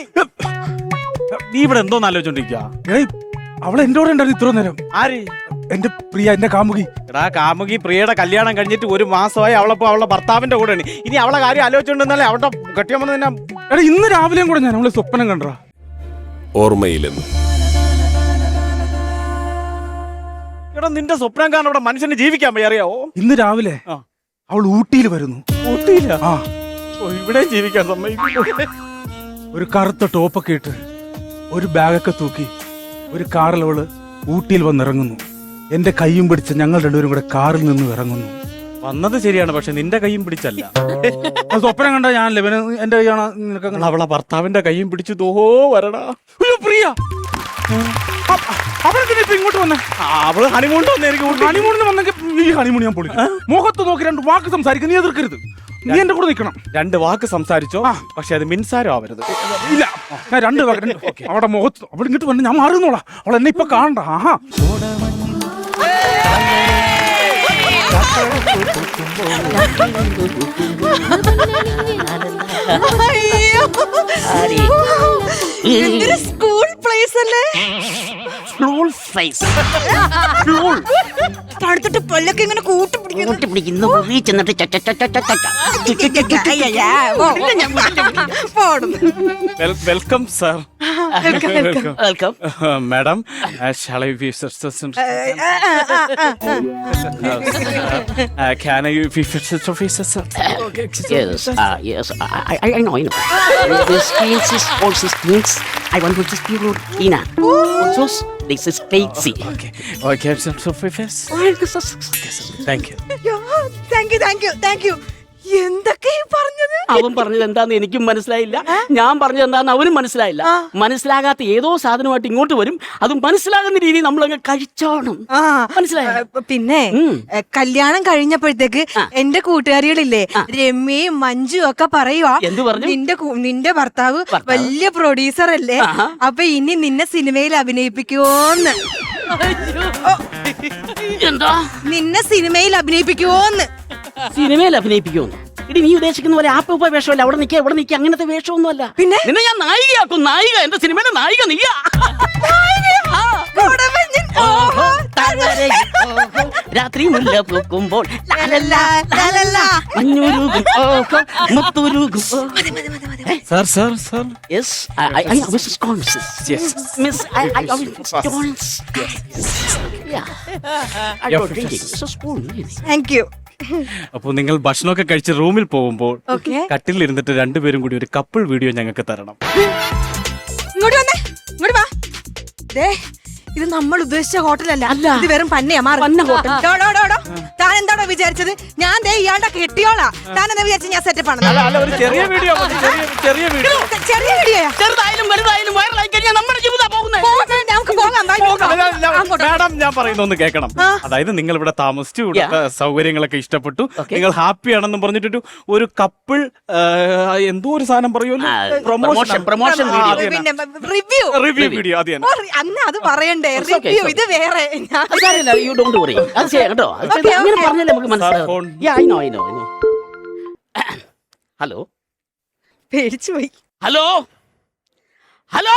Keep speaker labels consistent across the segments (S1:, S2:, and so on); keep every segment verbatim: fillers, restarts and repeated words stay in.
S1: നീ ഇവിടെ എന്തോന്ന് ആലോചിച്ചോണ്ടിരിക്കുക?
S2: അവൾ എന്റെ കൂടെ ഉണ്ടായിരുന്നു ഇത്ര നേരം.
S1: ആര്?
S2: എന്റെ പ്രിയ, എന്റെ കാമുകി.
S1: എടാ കാമുകി പ്രിയയുടെ കല്യാണം കഴിഞ്ഞിട്ട് ഒരു മാസമായി. അവളപ്പോ അവളുടെ ഭർത്താവിന്റെ കൂടെയാണ്. ഇനി അവളെ കാര്യം ആലോചിച്ചോണ്ടെന്നല്ലേ അവളുടെ കെട്ടിയമ്മ തന്നെ.
S2: എടാ ഇന്ന് രാവിലെയും കൂടെ ഞാൻ അവളെ സ്വപ്നം കണ്ടാ.
S3: ഓർമ്മയിലെന്ന്.
S1: എടാ നിന്റെ സ്വപ്നം കാരണം ഇവിടെ മനുഷ്യന് ജീവിക്കാൻ വയ്യ, അറിയാവോ?
S2: ഇന്ന് രാവിലെ അവൾ ഊട്ടിയിൽ വരുന്നു.
S1: ഊട്ടിയില്ല?
S2: ആ,
S1: ഇവിടെ ജീവിക്കാൻ സമ്മതിക്കും.
S2: ഒരു കറുത്ത ടോപ്പൊക്കെ ഇട്ട് ഒരു ബാഗൊക്കെ തൂക്കി ഒരു കാറിൽ അവള് ഊട്ടിയിൽ വന്നിറങ്ങുന്നു. എന്റെ കൈയും പിടിച്ച് ഞങ്ങൾ രണ്ടുപേരും കൂടെ കാറിൽ നിന്ന് ഇറങ്ങുന്നു.
S1: വന്നത് ശരിയാണ്, പക്ഷെ നിന്റെ കൈയും പിടിച്ചല്ല.
S2: സ്വപ്നം കണ്ട ഞാനല്ലേ എന്റെ കൈയാണ്. നിനക്ക്
S1: അവളെ ഭർത്താവിന്റെ കൈയും പിടിച്ചു ദോ വരടാ.
S2: പ്രിയ അവളെന്തിനാ ഇപ്പൊ ഇങ്ങോട്ട് വന്നേ?
S1: അവള് ഹണിമൂൺ വന്നായിരിക്കും.
S2: ഹണിമൂണിന് വന്നെങ്കിൽ ഈ ഹണിമൂൺ ഞാൻ പൊളി. മുഖത്ത് നോക്കി രണ്ട് വാക്ക് സംസാരിക്കും, നീ എതിർക്കരുത്. നീ എന്റെ കൂടെ നിൽക്കണം.
S1: രണ്ട് വാക്ക് സംസാരിച്ചോ, പക്ഷെ അത് മിൻസാരോ ആവരുത്.
S2: ഇല്ല, ഞാൻ രണ്ട് വാക്ക്. അവിടെ മുഖത്ത് അവൾ ഇങ്ങോട്ട് വന്ന് ഞാൻ മാറുന്നോളാം. അവൾ എന്നെ ഇപ്പൊ കാണണ്ട. ആഹാ,
S4: സ്കൂൾ പ്ലേസ് അല്ലേ? തണുത്തിട്ട് പല്ലൊക്കെ ഇങ്ങനെ കൂട്ടി പിടിക്കുന്നു.
S1: Welcome sir.
S4: Welcome
S1: madam, can I be first officer, sir?
S5: Yes, uh, yes, I, I, I know, I know. This means is also means I want to speak with Ina. Also, this is Stacy.
S1: Okay, okay, sir, so first. Thank you.
S4: Thank you thank you thank you. എന്തൊക്കെ പറഞ്ഞത്?
S5: അവൻ പറഞ്ഞത് എന്താന്ന് എനിക്കും മനസ്സിലായില്ല, ഞാൻ പറഞ്ഞത് എന്താന്ന് അവനും മനസ്സിലായില്ല. മനസ്സിലാകാത്ത ഏതോ സാധനമായിട്ട് ഇങ്ങോട്ട് വരും, അത് മനസ്സിലാകുന്ന രീതിയിൽ നമ്മളങ്ങ് കഴിച്ചോണം. മനസ്സിലായോ?
S4: പിന്നെ കല്യാണം കഴിഞ്ഞപ്പോഴത്തേക്ക് എന്റെ കൂട്ടുകാരികളില്ലേ രമ്യയും മഞ്ജു ഒക്കെ പറയുവാ,
S5: എന്ത് പറഞ്ഞു?
S4: നിന്റെ നിന്റെ ഭർത്താവ് വലിയ പ്രൊഡ്യൂസർ അല്ലേ, അപ്പൊ ഇനി നിന്നെ സിനിമയിൽ അഭിനയിപ്പിക്കുവോന്ന്.
S5: എന്താ?
S4: നിന്നെ സിനിമയിൽ അഭിനയിപ്പിക്കുവോന്ന്.
S5: സിനിമയിൽ അഭിനയിപ്പിക്കുമെന്ന്? ഇടി, നീ ഉദ്ദേശിക്കുന്ന പോലെ ആപ്പ് ഉപ്പ വേഷമല്ല. അവിടെ നിൽക്കുക ഇവിടെ നിൽക്കുക അങ്ങനത്തെ വേഷമൊന്നും അല്ല. പിന്നെ നിന്നെ ഞാൻ നായികയാക്കും. നായിക, എന്റെ സിനിമയിലെ നായിക നീയാ. രാത്രി മുല്ല പൂക്കുമ്പോൾ
S1: Sir, sir, sir.
S5: Yes, I, I, I was conscious.
S1: Yes.
S5: Miss, I, I, I was conscious. Yeah. I got drinking. It's a spoon, really.
S4: Thank you.
S1: അപ്പൊ നിങ്ങൾ ഭക്ഷണമൊക്കെ കഴിച്ച് റൂമിൽ പോകുമ്പോൾ കട്ടിലിരുന്നിട്ട് രണ്ടുപേരും കൂടി ഒരു കപ്പിൾ വീഡിയോ ഞങ്ങൾക്ക് തരണം.
S4: ഇങ്ങോട്ട് വന്നേ, ഇങ്ങോട്ട് വാ. ദേ, ഇത് നമ്മൾ ഉദ്ദേശിച്ച ഹോട്ടലല്ല, ഇത് വെറും പന്നയാ. താൻ എന്താണോ വിചാരിച്ചത്? ഞാൻ ദേ ഇയാളുടെ കെട്ടിയോളാ. താൻ എന്താ വിചാരിച്ച ഞാൻ സെറ്റപ്പ് ആണ്?
S1: ചെറിയ വീഡിയോ, ചെറിയ വീഡിയോ.
S4: ചെറിയ വീഡിയോയാ?
S5: ചെറുതായാലും വലുതായാലും വൈറലായി കഴിഞ്ഞാൽ നമ്മുടെ ജീവിതം പോകുന്നത്.
S4: നമുക്ക് പോകാം.
S1: മാഡം, ഞാൻ പറയുന്നൊന്ന് കേൾക്കണം. അതായത് നിങ്ങൾ ഇവിടെ താമസിച്ചു, ഇവിടുത്തെ സൗകര്യങ്ങളൊക്കെ ഇഷ്ടപ്പെട്ടു, നിങ്ങൾ ഹാപ്പി ആണെന്ന് പറഞ്ഞിട്ട് ഒരു കപ്പിൾ എന്തോ ഒരു സാധനം പറയുമല്ലോ, promotion promotion
S4: review
S1: review video. അത്
S4: അന്ന് അത് പറയണ്ടേ? റിവ്യൂ ഇത് വേറെ.
S5: You don't worry. അത് ചെയ്യാം കേട്ടോ. അങ്ങനെ പറഞ്ഞാലേ നമുക്ക് മനസ്സിലാവും. I know I know I know. Hello,
S4: പേടിച്ചു പോയി.
S5: ഹലോ ഹലോ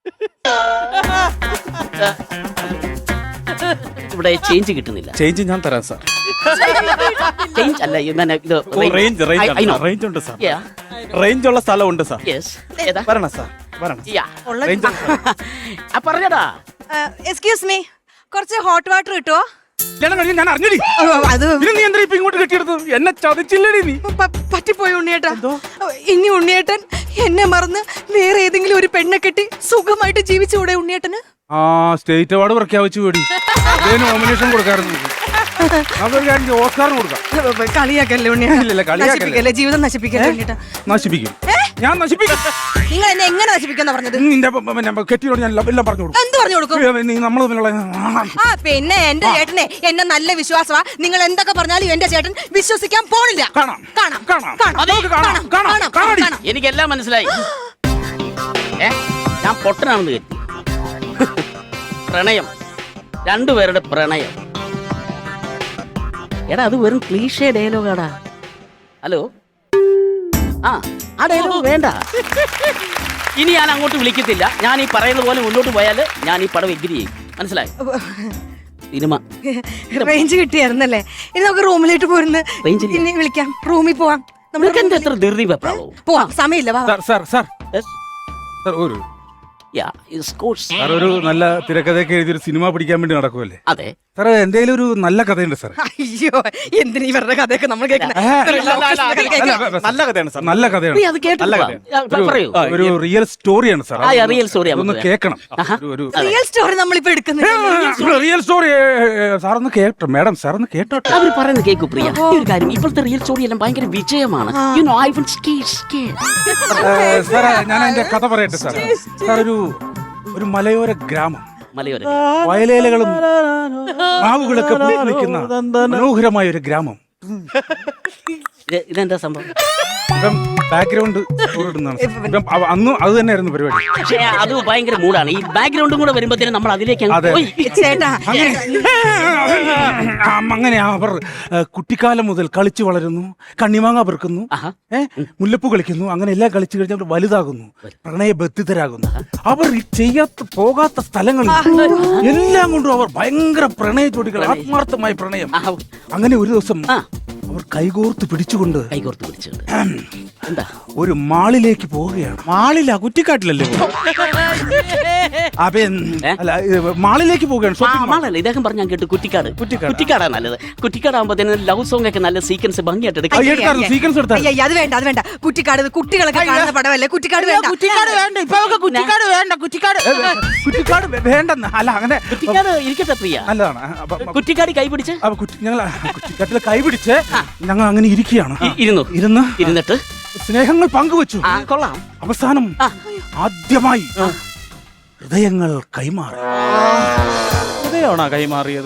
S5: ഇവിടെ ചേഞ്ച് കിട്ടുന്നില്ല.
S1: ചേഞ്ച് ഞാൻ തരാം സാർ.
S5: ചേഞ്ച് അല്ല, ഇത്
S1: റേഞ്ച് റേഞ്ച് ഉണ്ട് സാർ. റേഞ്ച് ഉള്ള സ്ഥലം ഉണ്ട് സാർ. വരണം സാർ, വരണം.
S5: പറഞ്ഞടാ.
S4: എക്സ്ക്യൂസ് മീ, കുറച്ച് ഹോട്ട് വാട്ടർ കിട്ടുമോ?
S2: ഞാൻ അറിഞ്ഞടി.
S4: അത്
S2: നീ എന്താ ഇപ്പൊ ഇങ്ങോട്ട് കെട്ടിയെടുത്തത്? എന്നെ ചതിച്ചില്ലടി നീ.
S4: പറ്റിപ്പോയി ഉണ്ണിയേട്ടാ. ഇനി ഉണ്ണിയേട്ടൻ എന്നെ മറന്ന് വേറെ ഏതെങ്കിലും ഒരു പെണ്ണെ കെട്ടി സുഖമായിട്ട് ജീവിച്ചുകൂടെ ഉണ്ണിയേട്ടന്?
S2: ആ, സ്റ്റേറ്റ് അവാർഡ് പ്രഖ്യാപിച്ചു കൂടി. നോമിനേഷൻ കൊടുക്കാറുണ്ട്. ഓസ്കാറിന് കൊടുക്കാം.
S4: കളിയാക്കല്ലേ ഉണ്ണിയേട്ടൻ? ജീവിതം നശിപ്പിക്കല്ലേ ഉണ്ണിയേട്ടാ?
S2: നശിപ്പിക്കും, ഞാൻ നശിപ്പിക്കും.
S4: നിങ്ങൾ എന്നെ എങ്ങനെ നശിപ്പിക്കാന്നാ പറഞ്ഞത്?
S2: നിന്റെ കെട്ടിയോട് ഞാൻ എല്ലാം പറഞ്ഞു കൊടുക്കും.
S4: എന്ത് പറഞ്ഞു കൊടുക്കും?
S2: നമ്മൾ
S4: ആ, പിന്നെ എന്റെ ചേട്ടനെ എന്നെ നല്ല വിശ്വാസമാ. നിങ്ങൾ എന്തൊക്കെ പറഞ്ഞാലും എന്റെ ചേട്ടൻ വിശ്വസിക്കാൻ പോണില്ല.
S2: കാണാം
S4: കാണാം
S2: കാണാം
S4: കാണാം കാണാം കാണാം.
S5: എനിക്കെല്ലാം മനസ്സിലായി. ഞാൻ പൊട്ടനാണെന്ന് കരുതി. പ്രണയം, രണ്ടുപേരുടെ പ്രണയം. എടാ, അത് വെറും ക്ലീഷേ ഡയലോഗാടാ. ഹലോ, ആ ആ ഡയലോഗ് വേണ്ട. ഇനി ഞാൻ അങ്ങോട്ട് വിളിക്കത്തില്ല. ഞാൻ ഈ പറയുന്ന പോലെ മുന്നോട്ട് പോയാൽ ഞാൻ ഈ പടം എഗ്രി ചെയ്യും. മനസ്സിലായി? സിനിമ
S4: റേഞ്ച് കിട്ടിയായിരുന്നല്ലേ? ഇനി നമുക്ക് റൂമിലേക്ക് പോരുന്ന്
S5: Range ഇല്ല.
S4: ഇനി വിളിക്കാം. റൂമിൽ പോവാം. നമ്മൾ
S5: നിങ്ങൾക്ക് എന്താ എത്ര ധൃതി വെപ്രാളോ?
S4: പോവാം, സമയമില്ല. വാ, വാ.
S2: സാർ സാർ സാർ സാർ ഒരു
S5: Yeah, it's course.
S2: സാർ ഒരു നല്ല തിരക്കഥയൊക്കെ എഴുതി ഒരു സിനിമ പിടിക്കാൻ വേണ്ടി നടക്കുമല്ലേ
S5: അതെ.
S2: സാർ എന്തെങ്കിലും ഒരു നല്ല കഥയുണ്ട് സാർ.
S4: അയ്യോ, എന്തിനീ ഇവരുടെ കഥയൊക്കെ നമ്മൾ കേൾക്കുന്നത്?
S1: നല്ല കഥയാണ് സാർ.
S2: നല്ല കഥയാണ്.
S5: നീ അത് കേട്ടില്ല. പറയൂ.
S2: ഒരു റിയൽ സ്റ്റോറിയാണ് സാർ.
S5: ആ, റിയൽ സ്റ്റോറി
S2: ഒന്ന് കേൾക്കണം. ഒരു
S4: റിയൽ സ്റ്റോറി നമ്മളിപ്പോ എടുക്കുന്നത്.
S2: റിയൽ സ്റ്റോറി സാർ ഒന്ന് കേട്ടോ. മാഡം സാർ ഒന്ന് കേട്ടോട്ടെ.
S5: അവർ പറയുന്നത് കേൾക്കൂ പ്രിയ. ഈ ഒരു കാര്യം, ഇപ്പോഴത്തെ റിയൽ സ്റ്റോറി എല്ലാം ഭയങ്കര വിജയമാണ്. You know, I will skate skate.
S2: Sir ഞാൻ അതിന്റെ കഥ പറയട്ടെ സാർ. സാർ ഒരു ഒരു മലയോര ഗ്രാമം,
S5: മലയോര
S2: വയലേലകളും മാവുകളൊക്കെ പൂത്ത് നിൽക്കുന്ന മനോഹരമായ ഒരു ഗ്രാമം.
S5: ഇത് ഇതെന്താ സംഭവം?
S2: ഇപ്പം ബാക്ക്ഗ്രൗണ്ട് അന്നും അത് തന്നെയായിരുന്നു പരിപാടി.
S5: പക്ഷേ അത് ഭയങ്കര മൂടാണ്. ഈ ബാക്ക്ഗ്രൗണ്ടും കൂടെ വരുമ്പോഴത്തേനും നമ്മൾ അതിലേക്ക് അങ്ങ്
S2: അതെ.
S5: പോയി.
S4: ചേട്ടാ,
S2: ആ, അങ്ങനെ അവർ ഏ, കുട്ടിക്കാലം മുതൽ കളിച്ചു വളരുന്നു, കണ്ണിമാങ്ങ പെറുക്കുന്നു,
S5: ആഹാ.
S2: ഏ, മുല്ലപ്പൂ കളിക്കുന്നു, അങ്ങനെ എല്ലാം കളിച്ചു കഴിഞ്ഞാൽ അവർ വലുതാകുന്നു, പ്രണയബദ്ധിതരാകുന്നു. അവർ ഈ ചെയ്യാത്ത പോകാത്ത സ്ഥലങ്ങളിൽ എല്ലാം കൊണ്ടും അവർ ഭയങ്കര പ്രണയ ജോഡികൾ, ആത്മാർത്ഥമായ പ്രണയം.
S5: ആഹാ.
S2: അങ്ങനെ ഒരു ദിവസം
S5: ആ.
S2: അവർ കൈകോർത്ത് പിടിച്ചുകൊണ്ട്
S5: കൈകോർത്ത് പിടിച്ചിട്ടുണ്ട്. എന്താ?
S2: ഒരു മാളിലേക്ക് പോവുകയാണ്.
S1: മാളില്ല, കുറ്റിക്കാട്ടിലല്ലേ?
S2: അവൻ
S5: ഏ?
S2: അല്ല ഇത് മാളിലേക്ക് പോവുകയാണ്.
S5: ആ,
S2: shopping mall.
S5: മാളല്ല, ഇദ്ദേഹം പറഞ്ഞ കേട്ടു കുറ്റിക്കാട്.
S1: കുറ്റിക്കാട്.
S5: കുറ്റിക്കാടാണ് നല്ലത്. കുറ്റിക്കാടാകുമ്പോഴത്തേനും ലവ് സോങ് ഒക്കെ നല്ല സീക്വൻസ് ഭംഗിയായിട്ട്
S2: ആ,
S5: എടുക്കാം.
S2: എടുത്തായിരുന്നു, sequence എടുത്തായിരുന്നു.
S4: അയ്യ, അത് വേണ്ട, അത് വേണ്ട. കുറ്റിക്കാട്, ഇത് കുട്ടികളൊക്കെ കാണുന്ന പടമല്ലേ? കുറ്റിക്കാട് വേണ്ട.
S2: കുറ്റിക്കാട് വേണ്ട, ഇപ്പൊ അവർക്ക് കുറ്റിക്കാട് വേണ്ട. കുറ്റിക്കാട് കുറ്റിക്കാട് വേ- വേണ്ടെന്ന് അല്ല, അങ്ങനെ
S5: കുറ്റിക്കാട് ഇരിക്കട്ടെ പ്രിയ.
S2: നല്ലതാണ്. അപ്പൊ
S5: കുറ്റിക്കാട് കൈ പിടിച്ച്
S2: അപ്പൊ കുറ്റി ഞങ്ങൾ കുറ്റിക്കാട്ടിൽ കൈ പിടിച്ച് ഞങ്ങൾ അങ്ങനെ ഇരിക്കുകയാണ്.
S5: ഇ- ഇരുന്നു
S2: ഇരുന്ന്
S5: ഇരുന്നിട്ട്
S2: സ്നേഹങ്ങൾ പങ്കുവച്ചു.
S5: ആ, കൊള്ളാം.
S2: അവസാനം
S5: ആ.
S2: ആദ്യമായി ഹൃദയങ്ങൾ കൈമാറി.
S1: ഹൃദയമാണോ കൈമാറിയത്?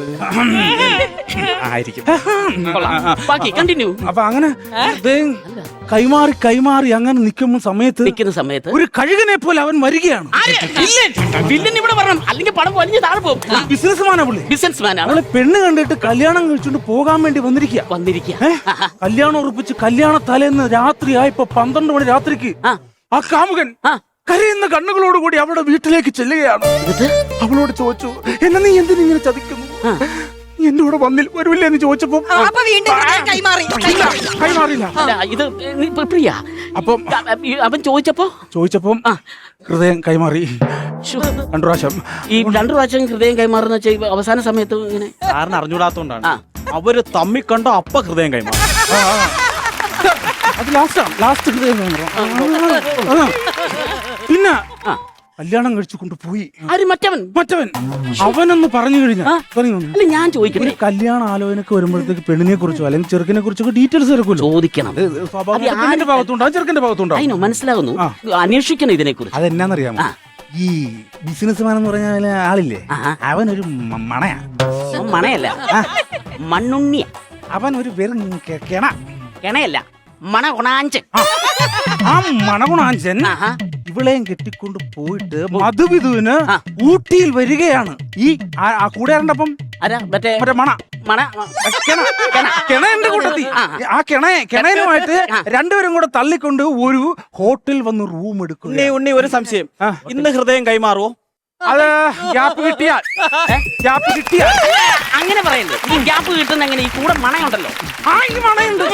S1: ആയിരിക്കും.
S5: കൊള്ളാം. ബാക്കി കണ്ടിന്യൂ.
S2: അപ്പൊ അങ്ങനെ ഹൃദയം കൈമാറി കൈമാറി അങ്ങനെ നിൽക്കുന്ന സമയത്ത്
S5: നിൽക്കുന്ന സമയത്ത്
S2: ഒരു കഴുകനെ പോലെ അവൻ വരികയാണ്.
S5: വില്ലൻ ഇവിടെ വരണം, അല്ലെങ്കിൽ പടം വലിഞ്ഞ് താഴെ പോകും.
S2: ബിസിനസ്മാനാ പുള്ളി.
S5: ബിസിനസ്മാൻ ആണ്.
S2: അവളെ പെണ്ണ് കണ്ടിട്ട് കല്യാണം കഴിച്ചുകൊണ്ട് പോകാൻ വേണ്ടി വന്നിരിക്കുക.
S5: വന്നിരിക്കുക.
S2: കല്യാണം ഉറപ്പിച്ച് കല്യാണ തലേന്ന് രാത്രി ആയപ്പോ പന്ത്രണ്ട് മണി രാത്രിക്ക്
S5: ആ.
S2: ആ കാമുകൻ
S5: ആ.
S2: കരയുന്ന കണ്ണുകളോടുകൂടി അവളുടെ വീട്ടിലേക്ക് ചെല്ലുകയാണ്.
S5: എന്നിട്ട്
S2: അവളോട് ചോദിച്ചു, എന്നെ നീ എന്തിനിങ്ങനെ ചതിക്കുന്നു? എന്റെ കൂടെ വന്നിൽ വരൂല്ലേ എന്ന് ചോദിച്ചപ്പോ
S4: ആ, അപ്പൊ വീണ്ടും ഹൃദയം കൈമാറി കൈമാറി.
S2: കൈമാറില്ല.
S5: അല്ല, ഇത് നീ ഇപ്പൊ പ്രിയ
S2: അപ്പം
S5: ഈ അവൻ ചോദിച്ചപ്പോ
S2: ചോദിച്ചപ്പം
S5: ആ.
S2: ഹൃദയം കൈമാറി
S5: ശ്ശോ.
S2: രണ്ടു പ്രാവശ്യം.
S5: ഈ രണ്ടു പ്രാവശ്യം ഹൃദയം കൈമാറുന്ന വെച്ചാൽ ഈ അവസാന സമയത്ത് ഇങ്ങനെ
S1: കാരണം അറിഞ്ഞൂടാത്തോണ്ടാണ്.
S5: ആ.
S1: അവര് തമ്മി കണ്ടോ അപ്പ ഹൃദയം കൈമാറി.
S2: ആ, ആ. അത് ലാസ്റ്റാണ്, ലാസ്റ്റ് ഹൃദയം കൈമാറും. ആ. പിന്നെ
S5: ആ.
S2: കല്യാണം കഴിച്ചു കൊണ്ടുപോയി.
S5: ആര് മറ്റവൻ?
S2: മറ്റവൻ അവനൊന്ന് പറഞ്ഞു കഴിഞ്ഞാൽ
S5: ആ.
S2: പറഞ്ഞു
S5: അല്ല, ഞാൻ ചോദിക്കട്ടെ,
S2: ഒരു കല്യാണ ആലോചനക്ക് വരുമ്പോഴത്തേക്ക് പെണ്ണിനെ കുറിച്ചോ അല്ലെങ്കിൽ ചെറുക്കിനെ കുറിച്ചൊക്കെ ഡീറ്റെയിൽസ് എടുക്കുമല്ലോ.
S5: ചോദിക്കണം.
S2: സ്വാഭാവികമായിട്ടും
S5: അത്
S2: പെണ്ണിന്റെ ഭാഗത്തുണ്ടാവും ചെറുക്കന്റെ ഭാഗത്തുണ്ടാവും.
S5: അതിനോ മനസ്സിലാകുന്നു.
S2: ആ.
S5: അന്വേഷിക്കണം ഇതിനെ കുറിച്ച്.
S2: അതെന്നാന്നറിയാമോ?
S5: ആ.
S2: ഈ ബിസിനസ്മാൻ എന്ന് പറഞ്ഞ ആളില്ലേ,
S5: ആഹാ.
S2: അവനൊരു മ- മണയാ.
S5: മണയല്ല, മണ്ണുണ്ണിയ.
S2: അവൻ ഒരു വെറും കെ- കെണ.
S5: കിണയല്ല, മണ കൊണാഞ്ച്.
S2: ആ മണകുണാഞ്ചൻ
S5: ആഹാ.
S2: ഇവളെയും കെട്ടിക്കൊണ്ട് പോയിട്ട് മധുവിധുവിന്
S5: ആ.
S2: ഊട്ടിയിൽ വരികയാണ്. ഈ ആ- ആ കൂടെ ആരണ്ടപ്പം
S5: ആരാ മറ്റേ
S2: മറ്റേ മണ
S5: മണ
S2: കിണ കിണന്റെ കൂട്ടത്തി
S5: ആ.
S2: ആ കിണയെ കിണയനുമായിട്ട് രണ്ടുപേരും കൂടെ തള്ളിക്കൊണ്ട് ഒരു ഹോട്ടൽ വന്ന് റൂം എടുക്കുക.
S1: ഉണ്ണി ഉണ്ണി ഒരു സംശയം.
S2: ആ.
S1: ഇന്ന് ഹൃദയം കൈമാറുവോ?
S2: അത് ഗ്യാപ്പ് കിട്ടിയാൽ ഗ്യാപ്പ് കിട്ടിയാൽ
S5: അങ്ങനെ പറയല്ലേ. ഈ ഗ്യാപ്പ് കിട്ടുന്ന എങ്ങനെ? ഈ കൂടെ മണയുണ്ടല്ലോ.
S2: ആ ഈ മണയുണ്ട്.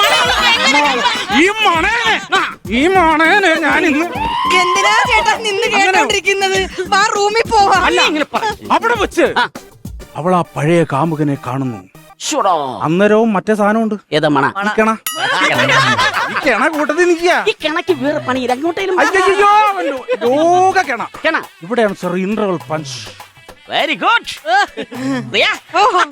S2: ഈ മണേനെ ഈ മണേനെ ഞാൻ ഇന്ന്
S4: എന്തിനാ ചേട്ടാ നിന്ന് കേട്ടോണ്ടിരിക്കുന്നത്? വാ, റൂമിൽ പോവാ.
S5: അല്ല, ഇങ്ങനെ പറ.
S2: അവിടെ വെച്ച്
S5: ആ.
S2: അവൾ ആ പഴയ കാമുകനെ കാണുന്നു.
S5: ശ്ശോടാ.
S2: അന്നേരവും മറ്റേ സാധനമുണ്ട്.
S5: ഏതാ മണ?
S2: ഈ കിണ ഈ കിണ കൂട്ടത്തിൽ നിൽക്കുക.
S5: ഈ കിണക്ക് വേറെ പണി അങ്ങോട്ടേലും
S2: അയ്യോ ലോക കിണ.
S5: കിണ.
S2: ഇവിടെയാണ് sir interval punch.
S5: Very good.
S4: ഓഹോ.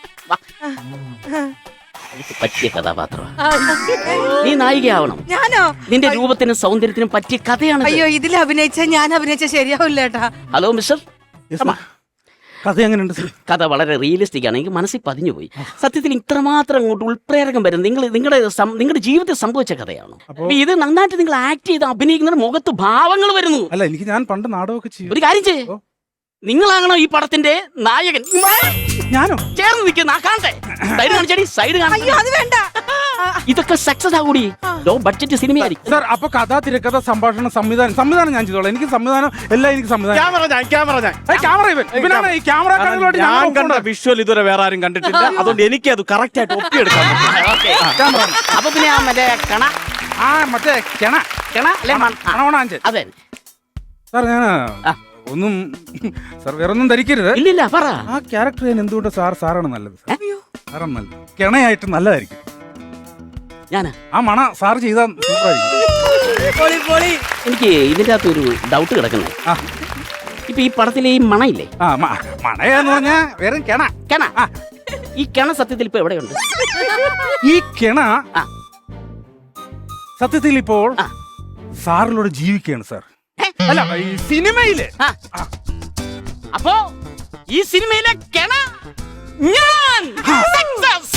S5: പറ്റിയ കഥാപാത്രമാണ്. നീ നായികയാവണം.
S4: ഞാനോ?
S5: നിന്റെ രൂപത്തിനും സൗന്ദര്യത്തിനും പറ്റിയ കഥയാണ്.
S4: അയ്യോ, ഇതിൽ അഭിനയിച്ച ഞാൻ അഭിനയിച്ച ശരിയാവില്ല ചേട്ടാ.
S5: Hello mister.
S2: കഥ എങ്ങനെയുണ്ട് സർ?
S5: കഥ വളരെ റിയലിസ്റ്റിക് ആണ്. എനിക്ക് മനസ്സിൽ പതിഞ്ഞു പോയി. സത്യത്തിൽ ഇത്രമാത്രം അങ്ങോട്ട് ഉൾപ്രേരകം വരും. നിങ്ങൾ നിങ്ങളുടെ സം- നിങ്ങളുടെ ജീവിതത്തിൽ സംഭവിച്ച കഥയാണ്. അപ്പൊ ഇത് നന്നായിട്ട് നിങ്ങൾ ആക്ട് ചെയ്ത് അഭിനയിക്കുന്ന മുഖത്ത് ഭാവങ്ങൾ വരുന്നു.
S2: അല്ല, എനിക്ക് ഞാൻ പണ്ട് നാടകമൊക്കെ ചെയ്യും.
S5: ഒരു കാര്യം ചെയ്യേ, നിങ്ങളാകണോ ഈ പടത്തിന്റെ നായകൻ.
S2: ഞാനോ?
S5: ചേർന്ന് നിൽക്കുന്ന ആ കാണട്ടെ. സൈഡ് കാണിച്ചടി, സൈഡ്
S4: അയ്യോ
S5: കാണിച്ചു.
S4: അത് വേണ്ട.
S5: ഇതൊക്കെ സക്സസ് ആകൂടി. ലോ ബഡ്ജറ്റ് സിനിമയായിരിക്കും.
S2: സാർ അപ്പൊ കഥ തിരക്കഥ സംഭാഷണം സംവിധാനം സംവിധാനം ഞാൻ ചെയ്തോളാം. എനിക്ക് സംവിധാനം എല്ലാം എനിക്ക് സംവിധാനം.
S1: ക്യാമറ ഞാൻ ക്യാമറ ഞാൻ
S2: ക്യാമറ ഇവൻ ഇവനാണ് ഈ ക്യാമറ കടകളോട്
S1: ഞാൻ കണ്ട വിഷ്വൽ ഇതുവരെ വേറെ ആരും കണ്ടിട്ടില്ല. അതുകൊണ്ട് എനിക്ക് അത് കറക്റ്റ് ആയിട്ട് ഒപ്പിയെടുക്കാൻ പറ്റും.
S5: ഓക്കേ.
S2: ക്യാമറ
S5: അപ്പൊ പിന്നെ ആ മറ്റേ കണ
S2: ആ മറ്റേ കിണ
S5: കണ അല്ലെ മൺ- ആ,
S2: കണവണാഞ്ചൻ.
S5: അതെ.
S2: സാർ ഞാൻ
S5: ആ.
S2: ഒന്നും സാർ വേറെ ഒന്നും ധരിക്കരുത്.
S5: ഇല്ലില്ല പറ.
S2: ആ ക്യാരക്ടർ ഞാൻ എന്തുകൊണ്ട് സാർ സാറാണ് നല്ലത്. സാറാണ് നല്ലത്. കിണയായിട്ട് നല്ലതായിരിക്കും.
S5: ഞാനാ
S2: ആ മണ സാർ ചെയ്താൽ സൂപ്പറായിരിക്കും.
S4: പൊളി പൊളി.
S5: എനിക്ക് ഇതിന്റെ അകത്ത് ഒരു ഡൗട്ട് കിടക്കുന്നത്.
S2: ആ
S5: ഇപ്പൊ ഈ പടത്തിലെ ഈ മണയില്ലേ,
S2: ആ മ- മണയാന്ന് പറഞ്ഞാ വെറും കിണ.
S5: കിണ,
S2: ആ.
S5: ഈ കിണ സത്യത്തിൽ ഇപ്പൊ എവിടെയുണ്ട്?
S2: ഈ കിണ
S5: ആ.
S2: സത്യത്തിൽ ഇപ്പോൾ
S5: ആ.
S2: സാറിലൂടെ ജീവിക്കുകയാണ് സാർ.
S5: ഏ?
S2: അല്ല ഈ സിനിമയില്
S5: ആ. അപ്പോ ഈ സിനിമയിലെ കിണ ഞാൻ. Success!